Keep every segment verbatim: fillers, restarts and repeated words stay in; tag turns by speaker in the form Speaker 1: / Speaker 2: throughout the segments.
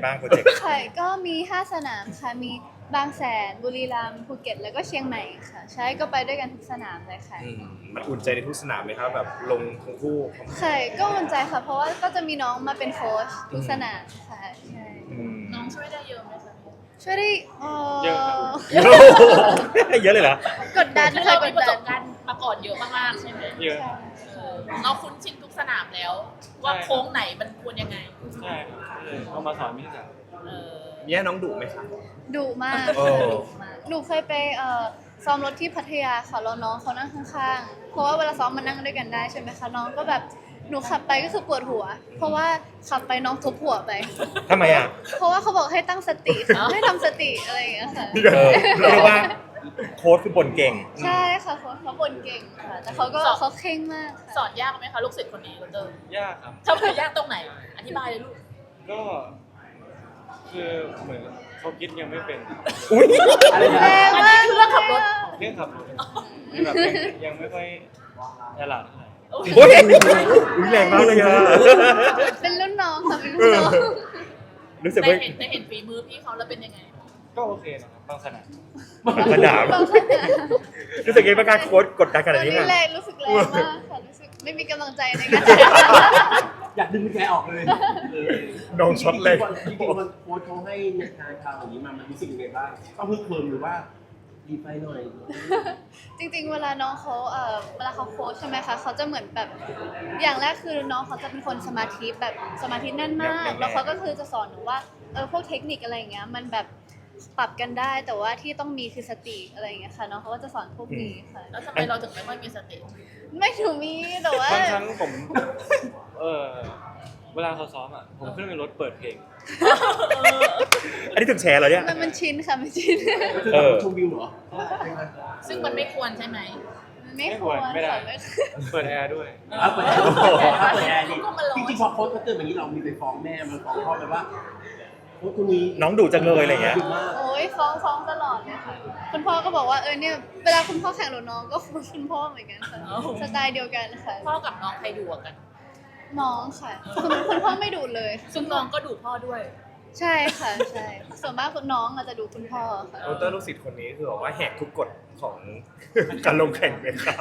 Speaker 1: บ้างโปรเจกต์
Speaker 2: ค่ะก็มีห้าสนามค่ะมีบางแสนบุรีรัมย์ภูเก็ตแล้วก็เชียงใหม่ค่ะใช่ก็ไปด้วยกันทุกสนามเลยค่ะ
Speaker 3: มันอุ่นใจในทุกสนามไหมครับแบบลงทั้งคู่
Speaker 2: ค่ะก็อุ่นใจค่ะเพราะว่าก็จะมีน้องมาเป็นโค้ชทุกสนามค่ะใช่
Speaker 4: น้องช่วยได้เยอะไหมคะ
Speaker 2: ช่วยได้
Speaker 1: เยอะเยอะเลยเหรอก
Speaker 2: ดดัน
Speaker 4: เรา
Speaker 2: ก
Speaker 4: มี
Speaker 2: ด
Speaker 4: ประส
Speaker 2: ดัน
Speaker 4: บการณ์มาก่อนเยอะมากๆใช่ไหม
Speaker 1: เยอะ
Speaker 4: เราคุ้นชินทุกสนามแล้วว่าโค้งไหนมันควรยังไง
Speaker 1: ใช่เอามาสอนพี่สาว
Speaker 3: แย่น้องดุไหมครับ
Speaker 2: ดุมากดุมากหนูเคยไปเอ่อซ้อมรถที่พัทยาค่ะแล้วน้องเขานั่งข้างๆเพราะว่าเวลาซ้อมมันนั่งด้วยกันได้ใช่ไหมคะน้องก็แบบหนูขับไปก็คือปวดหัวเพราะว่าขับไปน้องทุบหัวไป
Speaker 1: ทำไมอ่ะ
Speaker 2: เพราะว่าเขาบอกให้ตั้งสติให้ทำสติอะไรอย่างเงี้ยค่ะ
Speaker 1: เรียกว่าโค้ชคือบ่นเก่ง
Speaker 2: ใช่ค่ะเขาเขาบ่นเก่งค่ะแต่เขาก็เขาเข่งมาก
Speaker 4: สอนยากไหมคะลูกศิษย์คนนี้เตอร์
Speaker 1: ยากครับ
Speaker 4: ทำไมยากตรงไหนอธิบายเลยลูก
Speaker 1: ก็คือเหมือนเขาคิดยังไม่เป็น
Speaker 2: อุ้ยแรงมาก
Speaker 4: เรื่องขับรถ
Speaker 1: เรื่องขับรถแบบยังไม่ค่อยฉลาดเท่าไหร่
Speaker 3: อุ้ยแรงมากเลยอ่ะ
Speaker 2: เป็นรุ่นน้องค่ะเป็นรุ่นน้อง
Speaker 1: รู้สึก
Speaker 4: ว่าได้เห็นฝีมือพี่เขาแล้วเป็นยังไง
Speaker 1: ก็โอเคนะครับบางสนาม
Speaker 3: บางสนามรู้สึกยังไงบ้างการโค้ชกดดันขนาดนี้
Speaker 2: ค่ะแรงรู้สึกแรงมากค่ะรู้สึกไม่มีกำลังใจในการ
Speaker 5: อยากดึงแกออกเลย
Speaker 3: น้องช็อตเลย
Speaker 5: จริงๆมันโค้ชเขาให้ในการข่าวอย่างนี้มามันรู้สึกยังไงบ้างต้องพึ่งเพิ่มหรือว่าดีไปหน่อย
Speaker 2: จริงๆเวลาน้องเขาเอ่อเวลาเขาโค้ชใช่ไหมคะเขาจะเหมือนแบบอย่างแรกคือน้องเขาจะเป็นคนสมาธิแบบสมาธิแน่นมากแล้วเขาก็คือจะสอนหนูว่าเออพวกเทคนิคอะไรอย่างเงี้ยมันแบบปรับกันได้แต่ว่าที่ต้องมีคือสติอะไรอย่างเงี้ยค่ะน้องเขาก็จะสอนพวกนี้ค่ะ
Speaker 4: แล้วทำไมเราถึงไม่ค่อยมีสติ
Speaker 2: ไม่ถูกมีแต่ว่า
Speaker 1: บางครั้งผมเออเวลาเขาซ้อมอ่ะผมขึ้นไปรถเปิดเพลง
Speaker 3: อันนี้ถึงแชร์เหรอเนี่ย
Speaker 2: มันมันชินค่ะมันชิน
Speaker 5: เออชมวิวเหรอ
Speaker 4: ซึ่งมันไม่ควรใช่ไหม
Speaker 2: ไม่ควร
Speaker 1: ไม่ได้เปิดแอร์ด้วย
Speaker 5: เปิดแอร์เปิดแอร์จริงๆพอโค้ชเขาเตือนแบบนี้เรามีไปฟ้องแม่มันฟ้องพ่อไปว่าโค้ชคนนี้
Speaker 3: น้องดุจังเลยอะไรเงี้ย
Speaker 2: โอ้ยฟ้องฟ้องตลอดเลยค่ะคุณพ่อก็บอกว่าเออเนี่ยเวลาคุณพ่อแข่งรถน้องก็คุณพ่อเหมือนกันค่ะสไตล์เดียวกันค่ะ
Speaker 4: พ่อกับน้องใครดุกัน
Speaker 2: น้องค่ะคุณคุณพ่อไม่ดุเลย
Speaker 4: ซึ่งน้องก็ดุพ่อด้วย
Speaker 2: ใช่ค่ะใช่ส่วนมากคุณน้องอาจจะดุคุณพ่อค่ะ
Speaker 3: โอเตอร์ลูกศิษย์คนนี้คือบอกว่าแหกทุกกฎของการลงแข่งไหมครับ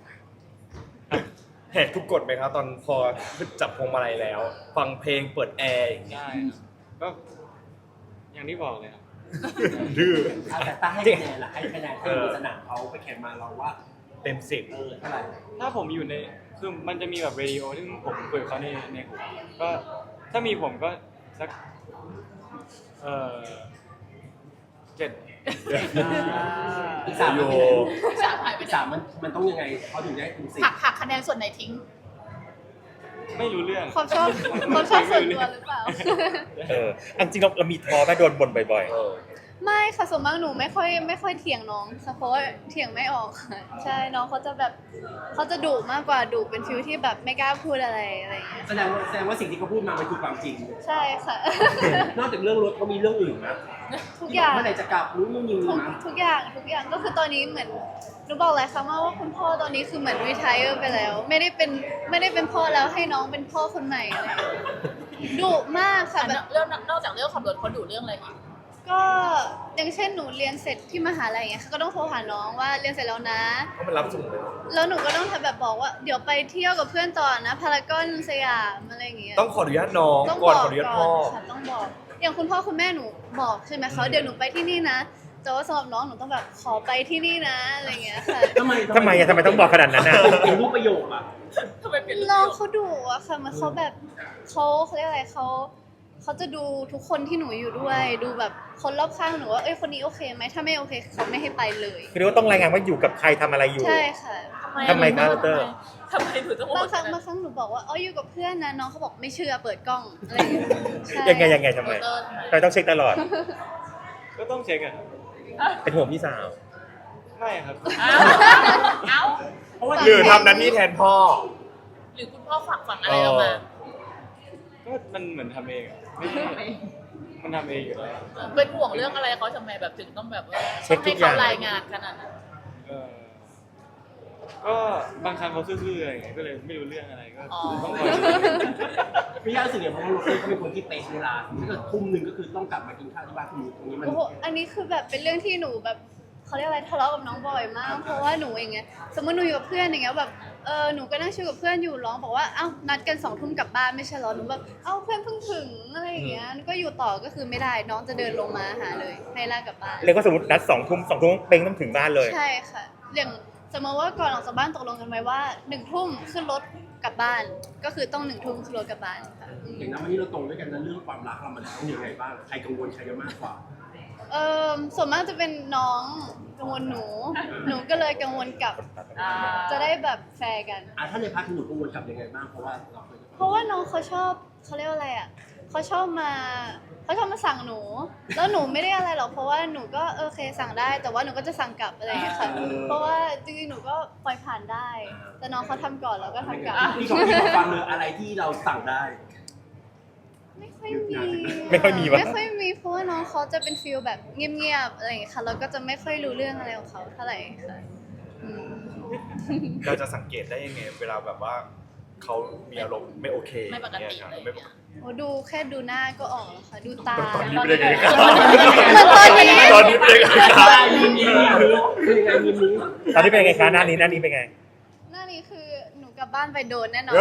Speaker 3: แหกทุกกฎไหมครับตอนพอจับพวงมาลัยแล้วฟังเพลงเปิดแอร์อย่างนี้
Speaker 1: ก็อย่างที่บอกเลยครับ
Speaker 3: ดื้อ
Speaker 5: แต่ถ้าให้คะแนนล่ะให้คะแนนที่สนามเขาไปแข่งมาเราว่า
Speaker 3: เต็มสิบ
Speaker 5: เออเท่าไหร่
Speaker 1: ถ้าผมอยู่ในคือมันจะมีแบบเรดิโอที่ผมคุยกับเขาในในหูก็ถ้ามีผมก็สักเอ่อเจ็ด
Speaker 5: อีกสามโยสามหายไปสามมันมันต้องยังไงเขาถึงได้ถึงสิบ
Speaker 4: หักหักคะแนนส่วนไหนทิ้ง
Speaker 1: ไม่รู้เรื่อง
Speaker 2: ความชอบความชอบส่วนตัวหรือเปล่า
Speaker 3: เออจริงๆเราเรามีท้อไหมโดนบ่นบ่อย
Speaker 2: ๆไม่ค่ะส่วนมากหนูไม่ค่อยไม่ค่อยเถียงน้องเพราะว่าเถียงไม่ออกค่ะใช่น้องเขาจะแบบเขาจะดุมากกว่าดุเป็นฟิลที่แบบไม่กล้าพูดอะไรอะไรอย่างเงี้ย
Speaker 5: แสดงว่าแสดงว่าสิ่งที่เขาพูดมามันคือความจริง
Speaker 2: ใช่ค่ะ
Speaker 5: นอกจากเรื่องรถเขามีเรื่องอื่นนะ
Speaker 2: ทุกอย่าง
Speaker 5: เมื่อไหร่จะกลับรู้นู่นนี่
Speaker 2: นะทุกอย่างทุกอย่างก็คือตอนนี้เหมือนหนูบอกเลยค่ะว่าคุณพ่อตอนนี้คือเหมือนรีไทร์ไปแล้วไม่ได้เป็นไม่ได้เป็นพ่อแล้วให้น้องเป็นพ่อคนใหม่อะไรดุมากค่ะแบบ
Speaker 4: เรื่องนอกจากเรื่องขับรถเขาดุเรื่องอะไรอีก
Speaker 2: ก็อย่างเช่นหนูเรียนเสร็จที่มหาลัยอย่างเงี้ยก็ต้องโทรหาน้องว่าเรียนเสร็จแล้วนะ
Speaker 3: เขามารับส่งเลย
Speaker 2: แล้วหนูก็ต้องทำแบบบอกว่าเดี๋ยวไปเที่ยวกับเพื่อนต่อนะพารากอนสยามอะไรอย่างเงี้ย
Speaker 3: ต้องขออนุญาตน้องก่อนขออนุญาตพ่อ
Speaker 2: ต้องบอกอย่างคุณพ่อคุณแม่หนูบอกใช่ไหมเขาเดี๋ยวหนูไปที่นี่นะแต่ว่าสำหรับน้องหนูต้องแบบขอไปที่นี่นะอะไรเงี้ยค่ะ
Speaker 5: ทำไม
Speaker 3: ทำไมอะทำไมต้องบอกขนาดนั้นอะ
Speaker 5: เป็นรูปประโยคอะ
Speaker 4: ทำไมเป็น
Speaker 2: น้องเขาดุอะค่ะมันเขาแบบเขาเขาเรียกอะไรเขาเขาจะดูทุกคนที่หนูอยู่ด้วยดูแบบคนรอบข้างหนูว่าเอ้ยคนนี้โอเคไหมถ้าไม่โอเคเขาไม่ให้ไปเลย
Speaker 3: คือเรียกว่าต้องรายงานว่าอยู่กับใครทำอะไรอยู่
Speaker 2: ใช่ค่ะ
Speaker 3: ทำไมครับเตอร์
Speaker 4: ทำไมถึงต้อง
Speaker 2: บางครั้งบางครั้งหนูบอกว่าอ๋ออยู่กับเพื่อนนะน้องเขาบอกไม่เชื่อเปิดกล้องอะไร
Speaker 3: ยังไงยังไงทำไมทำไมต้องเช็คตลอด
Speaker 1: ก็ต้องเช็คอะ
Speaker 3: เป็นห่วงพี่สาว
Speaker 1: ไม่ครับ
Speaker 4: เอ้า
Speaker 3: หรือทำนั้นนี่แทนพ่อ
Speaker 4: หรือคุณพ่อฝากฝังอะไรออกมา
Speaker 1: ก็มันเหมือนทำเองอะมันทำเองอยู่แล้ว
Speaker 4: เป็นห่วงเรื่องอะไรเขาทำไมแบบถึงต้องแบบว่า
Speaker 3: เช็คทุกอย่าง
Speaker 4: รายงานขนาดนั้น
Speaker 1: ก็ก็บางครั้งเขาซื่อๆอะไรอย่างเงี้ยก็เลยไม่รู้เรื่องอะไรก็
Speaker 4: อ๋อ
Speaker 1: ต้องคอยช่วย
Speaker 5: พี่ย่ารู้สึกอย่างเพราะว่าโรเต้เขาเป็นคนที่เป๊ะเวลาถ้าเกิดทุ่มหนึ่งก็คือต้องกลับมากินข้าวที่บ้านคุณตรงนี้มัน
Speaker 2: โอ้โหอันนี้คือแบบเป็นเรื่องที่หนูแบบเขาเรียกอะไรทะเลาะกับน้องบ่อยมาก เพราะว่าหนูอย่างเงี้ยสมมติหนูอยู่กับเพื่อนอย่างเงี้ยแบบเออหนูก็นั่งชิวกับเพื่อนอยู่ร้องบอกว่าเอ้านัดกันสองทุ่มกลับบ้านไม่ใช่เหรอหนูแบบเอ้าเพื่อนเพิ่งถึงอะไรอย่างเงี้ยก็อยู่ต่อก็คือไม่ได้น้องจะเดินลงมาหาเลยให้ลากกลับบ้าน
Speaker 6: เรียกว่าสมมตินัดสองทุ่มสองทุ่มเป้งต้องถึงบ้านเลย
Speaker 2: ใช่ค่ะอย่างสมมติว่าก่อนออกจากบ้านตกลงกันไว้ว่าหนึ่งทุ่มขึ้นรถกลับบ้าน ก็คือต้องหนึ่งทุ่มขึ้นรถกลับบ้านค่ะ
Speaker 5: อย่างนั้นวันนี้เราตรงด้วยกันนะเรื่องความรักเรามันต้องยังไงบ้างใครกังวลใครจะมากกว่า
Speaker 2: เออส่วนมากจะเป็นน้องกังวลหนู หนูก็เลยกังวลกลับ
Speaker 4: อ่า
Speaker 2: จะได้แบบแฟร์กัน
Speaker 5: อ่ะถ้าในพาร์ทที่หนูกังวลกับยังไงบ้างเพราะว่าเราเคย
Speaker 2: เพราะว่าน้องเขาชอบเขาเรียกว่าอะไรอ่ะเขาชอบมาเขาชอบมาสั่งหนู แล้วหนูไม่ได้อะไรหรอกเพราะว่าหนูก็โอเคสั่งได้ แต่ว่าหนูก็จะสั่งกลับอะไรอย่างเงี้ยค่ะเพราะว่าจริงๆหนูก็ปล่อยผ่านได้ แต่น้องเขาทำก่อนแล้วก็ทำกลับ
Speaker 5: พี่ขอพี่ขอฟังเลยอะไรที่เราสั่งได้
Speaker 2: ไม่ค่อยมี
Speaker 6: ไม่ค่อยมีวะ
Speaker 2: ไม่ค่อยมีเพราะว่าน้องเขาจะเป็นฟีลแบบเงียบๆอะไรอย่างเงี้ยค่ะแล้วก็จะไม่ค่อยรู้เรื่องอะไรของเขาเท่าไหร่ค่ะอืม
Speaker 3: เราจะสังเกตได้ยังไง เวลาแบบว่าเขามีอารมณ์ไม่โอเค
Speaker 4: ไม่ปกติ
Speaker 3: อย่าง
Speaker 4: เล
Speaker 3: เงี้
Speaker 4: ย
Speaker 3: ยไม่ปกติ
Speaker 2: โอ้ดูแค่ดูหน้าก็ออกแล้วค่ะ ดูตา
Speaker 3: ตอนนี้เป็นยังไงครับ
Speaker 2: ตอนนี้
Speaker 3: ตอนนี้เป็นยังไงครับ
Speaker 5: มีมีคือยังไงมีมี
Speaker 6: ตอนนี้เป็นไงคะหน้านี้หน้านี้เป็นไง
Speaker 2: หน้านี้คือหนูกลับบ้านไปโดนแน่นอน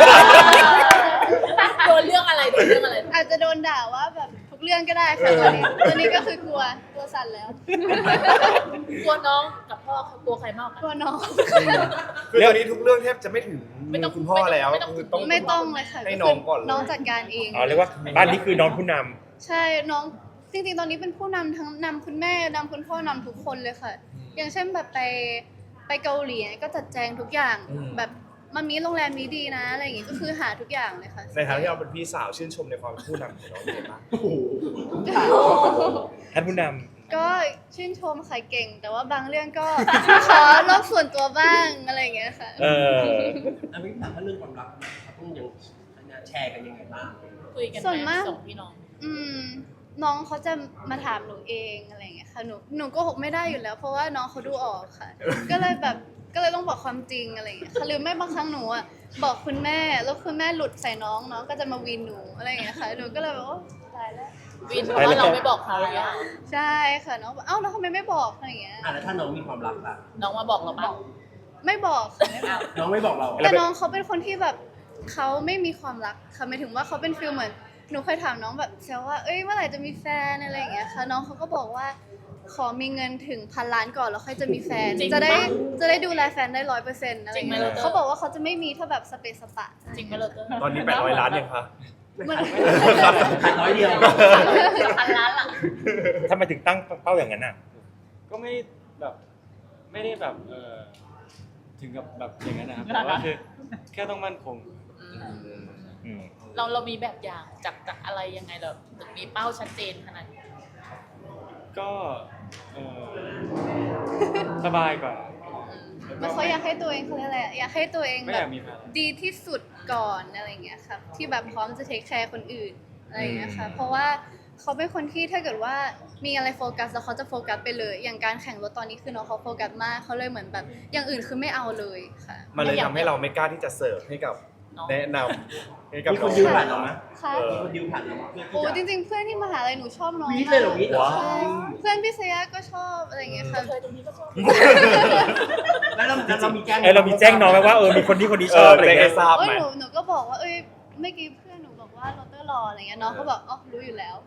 Speaker 4: โดนเรื่องอะไรโดนเรื่องอะไร
Speaker 2: อาจจะโดนด่าว่าแบบทุกเรื่องก็ได้ค่ะตอนนี้ตอนนี้ก็คือกลัวตัวสั่นแล้ว
Speaker 4: กลัวน้องกับพ่อเขากลัวใครมากก
Speaker 2: กลั
Speaker 4: ว่า
Speaker 2: วน้อง
Speaker 3: คือตอนนี้ทุกเรื่องแทบจะไม่ถึง
Speaker 4: ไม่ต้อง
Speaker 3: คุณพ่อแล้ว
Speaker 4: ไม่ต้อง
Speaker 3: คือต้อง
Speaker 2: ไม่ต้องเลยค่ะ
Speaker 3: ให้น้องก่อนเลย
Speaker 2: น้องจัดการเอง
Speaker 6: อ๋อเรียกว่าบ้านนี้คือน้องผู้นำ
Speaker 2: ใช่น้องจริงๆตอนนี้เป็นผู้นำทั้งนำคุณแม่นำคุณพ่อนำทุกคนเลยค่ะ อย่างเช่นแบบไปไปเกาหลีก็จัดแจงทุกอย่าง
Speaker 3: อืม
Speaker 2: แบบมันมีโรงแรมนี้ดีนะอะไรอย่างงี้ก็คือหาทุกอย่างเลยค่ะ
Speaker 3: ในฐานะที่เราเป็นพี่สาวชื่นชมในความผู้นำของน้องเป็นไงบ้าง
Speaker 5: โอ้โห
Speaker 6: ท่านผู้น
Speaker 2: ก็ชื่นชมค่ะเก่ง แต่ว่าบางเรื่องก็ ขอรอบส่วนตัวบ้างอะไรอย่างเงี้ยค่ะ
Speaker 6: ำเออ
Speaker 5: แล้วพี่ถามว่าเรื่องความรักเขาต้องยังแชร์กันยังไงบ้าง
Speaker 4: คุยกัน
Speaker 2: ส่วน
Speaker 4: ไหม
Speaker 2: มาก
Speaker 4: สองพี่น้อง
Speaker 2: อืมน้องเขาจะมาถามหนูเองอะไรอย่างเงี้ยค่ะหนูหนูโก็หกไม่ได้อยู่แล้ว เพราะว่าน้องเขาดูออกค่ะ ก็เลยแบบก็เลยต้องบอกความจริงอะไรอย่างเงี้ยค่ะหรือไม่บางครั้งหนูอ่ะบอกคุณแม่แล้วคุณแม่หลุดใส่น้องน้องก็จะมาวีนหนูอะไรอย่างเงี้ยค่ะหนูก็เลยแบบโอ้ตายแล้ว
Speaker 4: วินเพราะว่าเราไม่บอกเขาอะ
Speaker 2: ใช่ค่ะน้องบอกเอ้าแล้วทำไมไม่บอกอะไรอย่างเงี้ย
Speaker 5: อ่ะแล้วถ้าน้องมีความรักล่ะ
Speaker 4: น้องมาบอกเราปะ
Speaker 2: ไม่บอกค่ะไม่บอก
Speaker 5: น้องไม่บอกเรา
Speaker 2: แต่น้องเขาเป็นคนที่แบบเขาไม่มีความรักค่ะหมายถึงว่าเขาเป็นฟีลเหมือนหนูเคยถามน้องแบบแซวว่าเอ้ยเมื่อไหร่จะมีแฟนอะไรอย่างเงี้ยค่ะน้องเขาก็บอกว่าขอมีเงินถึงพันล้านก่อนแล้วค่อยจะมีแฟน
Speaker 4: จริง
Speaker 2: จะได้
Speaker 4: ปะ
Speaker 2: จะได้ดูแลแฟนได้ร้อยเปอร์เซ็นต์อะไรอย่างเงี้ย
Speaker 4: จริงไหม
Speaker 2: เขาบอกว่าเขาจะไม่มีถ้าแบบสเปซสปะ
Speaker 4: จริงไหมเราเตอร์
Speaker 3: ตอนนี้แปดร้อยล้านยังคะ
Speaker 2: มัน
Speaker 5: ขาดร้อยเดียว
Speaker 4: พันล้านล่ะ
Speaker 6: ทำไมถึงตั้งเป้าอย่างนั้นอ่ะ
Speaker 1: ก็ไม่แบบไม่ได้แบบเออถึงกับแบบอย่างนั้นนะครับแต่ว่าคือแค่ต้องมั่นคง
Speaker 6: อืม
Speaker 4: เราเรามีแบบอย่างจากจากอะไรยังไงเราถึงมีเป้าชัดเจนขนาดนี้
Speaker 1: ก็เออสบายก่อน
Speaker 2: มันเขาอยากให้ตัวเองเขาเรียกอะไรอะอยากให้ตัวเอง
Speaker 1: ไม่
Speaker 2: แบ
Speaker 1: อยา
Speaker 2: บ
Speaker 1: กมีแฟน
Speaker 2: ดีที่สุดก่อนอะไรอย่างเงี้ยครับที่แบบพร้อมจะเทคแคร์คนอื่นอะไรอย่างเงี้ยค่ะเพราะว่าเขาเป็นคนที่ถ้าเกิดว่ามีอะไรโฟกัสแล้วเขาจะโฟกัสไปเลย อย่างการแข่งรถตอนนี้คือน้องเขาโฟกัสมากเขาเลยเหมือนแบบอย่างอื่นคือไม่เอาเลยค่ะ
Speaker 3: มันเลยทำให้เราไม่กล้าที่จะเสิร์ฟให้กับ
Speaker 4: น้อง
Speaker 3: แนะนำให้กับ
Speaker 5: มีคน
Speaker 3: อง
Speaker 5: ดิวผ่านเราไหม
Speaker 2: ค่ะ
Speaker 3: เอ
Speaker 5: มี
Speaker 3: อ
Speaker 5: คนดิวผ่านเราไหมเพื่
Speaker 2: โอ้
Speaker 5: อ
Speaker 2: จ
Speaker 5: ที่จะ
Speaker 2: ริงๆ เพื่อนที่มหาลัยหนูชอบน้อง
Speaker 5: วีดเลยเหรอวีด
Speaker 3: ว้าว
Speaker 2: ใช่เพื่อนพี่เซียก็ชอบอะไรอย่างเงี้ยค่ะ
Speaker 4: เคยตรงนี้ก็ชอบ
Speaker 5: แล้วเราแล้วเรามีแจ้ง
Speaker 6: เออเรามีแจ้งน้องไหมว่าเออมีคนที่คนนี้ช
Speaker 3: เอ
Speaker 6: อ
Speaker 3: อบ
Speaker 6: อะไร
Speaker 3: แจ้ง
Speaker 6: เงี้
Speaker 3: ให้
Speaker 6: ย
Speaker 3: ทราบ
Speaker 2: เอ้ย
Speaker 3: ไหม
Speaker 2: หนูหนูก็บอกว่าเอ้ยเมื่อกี้เพื่อนหนูบอกว่าโรเตอร์รออะไรเงี้ยน้องเขาบอกอ๋อรู้อยู่แล้ว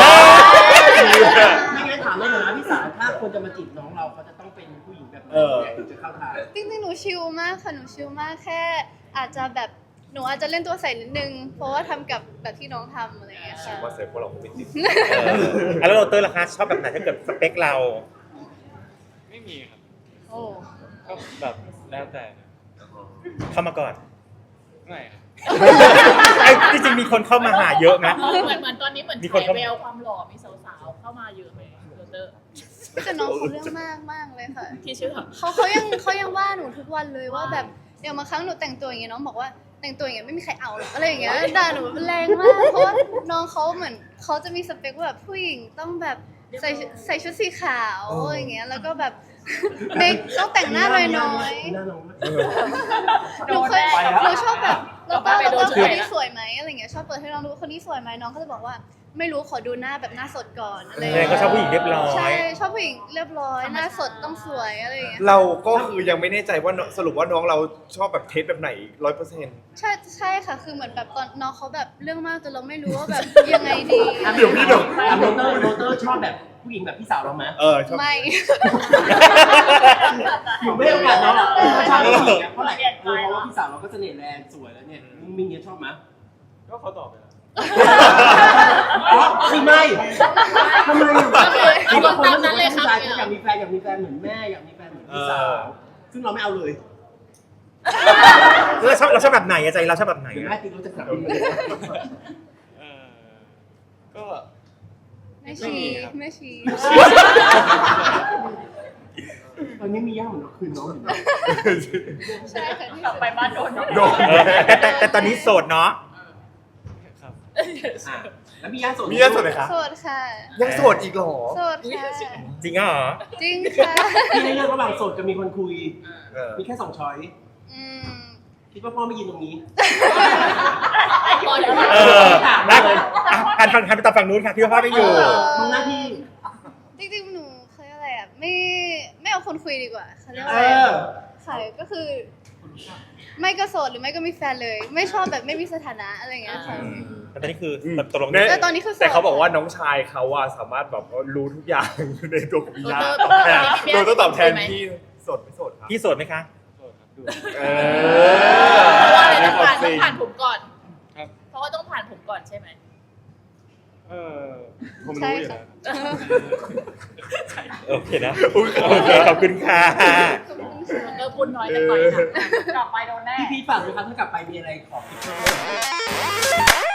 Speaker 5: ไม่งั้นถามเลยนะพี่สาวถ้าคนจะมาจีบน้องเราเขาจะต้องเป็นผู้หญิงแบบไหน
Speaker 3: เออ
Speaker 5: ถึงจะเข้าทาง
Speaker 2: จริงๆ หนูชิลมากค่ะ หนูชิลมากแค่ อาจจะแบบหนูอาจจะเล่นตัวใส่นิดนึง เพราะว่าทำกับแบบที่น้องทำอะไรอย่างเงี้ยค่ะ
Speaker 3: ว่าเสิร์ฟพวกเราคงไม่ติด
Speaker 6: เอออ่ะแล้วเราเตอร์ราคาชอบแบบไหนถ้าเกิดสเปคเรา
Speaker 1: ไม่มีครับ
Speaker 2: โอ้
Speaker 1: ก็แบบแล้วแต่นะ
Speaker 6: เข้ามาก่อน
Speaker 1: ไม่ครับ
Speaker 6: ไอ้จริงๆมีคนเข้ามาหาเยอะนะ
Speaker 4: เหมือนเหมือนตอนนี้เหมือน
Speaker 6: มี
Speaker 4: ฉา
Speaker 6: คน
Speaker 4: ย
Speaker 6: เข้า
Speaker 4: แววความหล่อมีสาวๆเข้ามาเยอะไหมโรเตอร์
Speaker 2: แต่น้องเขาเรื่องมากมากเลยค่ะ
Speaker 4: ที่ชื่อ
Speaker 2: เขาเขายังเขายังว่าหนูทุกวันเลยว่าแบบอย่างบางครั้งหนูแต่งตัวอย่างเงี้ยน้องบอกว่าแต่งตัวอย่างเงี้ยไม่มีใครเอาหรอกอะไรอย่างเงี้ยด่าหนูแรงมากเพราะว่าน้องเขาเหมือนเขาจะมีสเปคว่าแบบผู้หญิงต้องแบบใส่ใส่ชุดสีขาวอย่างเงี้ยแล้วก็แบบเมคต้องแต่งหน้าน้อย
Speaker 5: หน้าน้อง
Speaker 2: ๆหนูเคย
Speaker 5: ไปแล้ว
Speaker 2: หนูชอบแบบเราต้อง
Speaker 4: ไป
Speaker 2: เรา
Speaker 4: โด
Speaker 2: ต้
Speaker 4: น
Speaker 2: อง
Speaker 4: เฉ
Speaker 2: คน
Speaker 4: ย
Speaker 2: นี้สวยไหมอะไรเงี้ยชอบเปิดให้น้องดูคนนี้สวยไหมน้องก็จะบอกว่าไม่รู้ขอดูหน้าแบบหน้าสดก่อนอะไร
Speaker 6: แม่ก็ชอบผู้หญิงเรียบร้อ
Speaker 2: ใช่
Speaker 6: ย
Speaker 2: ชอบผู้หญิงเรียบร้อยหน้าสดต้องสวยอะไรอย่างเงี้ย
Speaker 3: เราก็คือยังไม่แน่ใจว่าน้องสรุปว่าน้องเราชอบแบบเทสแบบไหนร้อยเปอร์เซ็นต์
Speaker 2: ใช่ใช่ค่ะคือเหมือนแบบตอนน้องเขาแบบเรื่องมากจนเราไม่รู้ว่าแบบยังไงดี
Speaker 3: เดี๋ยวพี่เดี๋ยว
Speaker 5: อ่ะโรเตอร์โรเตอร์ชอบแบบผู้หญิงแบบพี่สาวเราไหม
Speaker 3: เออชอบ
Speaker 2: ไม่
Speaker 5: หนูไม่ให้โอกาสน้องหรอกเขาชอบผู้หญิงอ่ะเพราะอะไรเพราะว่าพี่สาวเราก็เสน่ห์แรงสวยแล้วเนี่ยมิ่งเนี้ยชอบไหม
Speaker 1: ก็เขาตอบไปแล้ว
Speaker 5: อ๋อคือไม่ทำไมอ่ะ
Speaker 4: เอา
Speaker 5: บางคน
Speaker 4: ตาม
Speaker 5: รู้สึ
Speaker 4: นั้
Speaker 5: ก
Speaker 4: นเลย
Speaker 5: ว่า
Speaker 4: ครับ
Speaker 5: ผู้ชายอยากมีแฟนอยากมีแฟนเหมือนแม่อยากมีแฟนเหมือนพี่สาวซึ่งเราไม่เอาเลย
Speaker 6: เราชอบเราชอบแบบไหนอะใจเราชอบแบบไหน
Speaker 5: เดี๋ยว
Speaker 6: อะ
Speaker 5: แม่ตีรู้จะกลับมาเลย
Speaker 1: เออก็
Speaker 2: ไม่ชีไม่ชี
Speaker 5: ตอนนี้มีย่าเหมือนเราคืนน้องอยู่
Speaker 2: ใช่ค่ะที่
Speaker 4: กลับไปบ้านโดน
Speaker 3: โดน
Speaker 6: เออแต่แต่แต่ตอนนี้โสดเนาะ
Speaker 1: ครับ
Speaker 5: อ่ะแล้วมีย่าโสด
Speaker 3: มีเยอะสุดเลยคะ
Speaker 2: โสดค่ะ
Speaker 3: ยังโสดอีกเหรอ
Speaker 2: โสดค่ะ
Speaker 6: จริงเหรอ
Speaker 2: จริงค่ะ
Speaker 5: พี่ให้เลือกระหว่างโสดกับมีคนคุย
Speaker 3: เออ
Speaker 5: มีแค่สองช้อย
Speaker 2: อืม
Speaker 5: คิดว่าพ่อไม่ยินตรงนี้
Speaker 6: เออรักอ่ะหันฟังหันไปตามฝั่งนู้นค่ะพี่ว่าพ่อไม่อยู่
Speaker 5: ทำหน้าที่
Speaker 2: จริงๆหนูเขาเรียกอะไรอ่ะไม่ไม่เอาคนคุยดีกว่าเขาเรียกว่า
Speaker 5: เอ
Speaker 2: อะไร
Speaker 5: อ
Speaker 2: ค่ะก็คือ ไม่ก็โสดหรือไม่ก็มีแฟนเลย ไม่ชอบแบบไม่มีสถานะอะไรอย่างเงี้ยค่ะ
Speaker 6: แต่ตอนนี้คือ
Speaker 3: อืม
Speaker 6: ตกลง
Speaker 3: เนี่ย
Speaker 2: แต่ตอนนี้คือโสด
Speaker 3: แต่เขาบอกว่าน้องชายเขาอะสามารถแบบว่ารู้ทุกอย่าง ในตัวของพี่ยา
Speaker 4: โดน
Speaker 3: ตอบแทน
Speaker 4: พี่
Speaker 3: โด
Speaker 4: ยา
Speaker 3: ยต้องตอบแทนพี่สดไม่สดครับ
Speaker 6: พี่โสดไหมคะ
Speaker 1: โทษครับดู
Speaker 3: เอ
Speaker 4: เพราะว่าอะไร
Speaker 3: อ
Speaker 4: ต้องผ่านต้องผ่านผมก่อน
Speaker 1: ครับ
Speaker 4: เพราะว่าต้องผ่านผมก่อนใช่ไหม
Speaker 1: เออผม
Speaker 2: ใช่
Speaker 1: รู้อยู่
Speaker 2: ค่ะ
Speaker 1: แล้ว
Speaker 6: โอเคนะ โอเค ขอบคุณค่ะ
Speaker 2: ขอบคุณค่ะ
Speaker 4: เออพูดน้อยแต่ต่อยหนักกลับไปโดนแน่
Speaker 5: พี่พีทฝากด้วยครับถ้ากลับไปมีอะไรขอ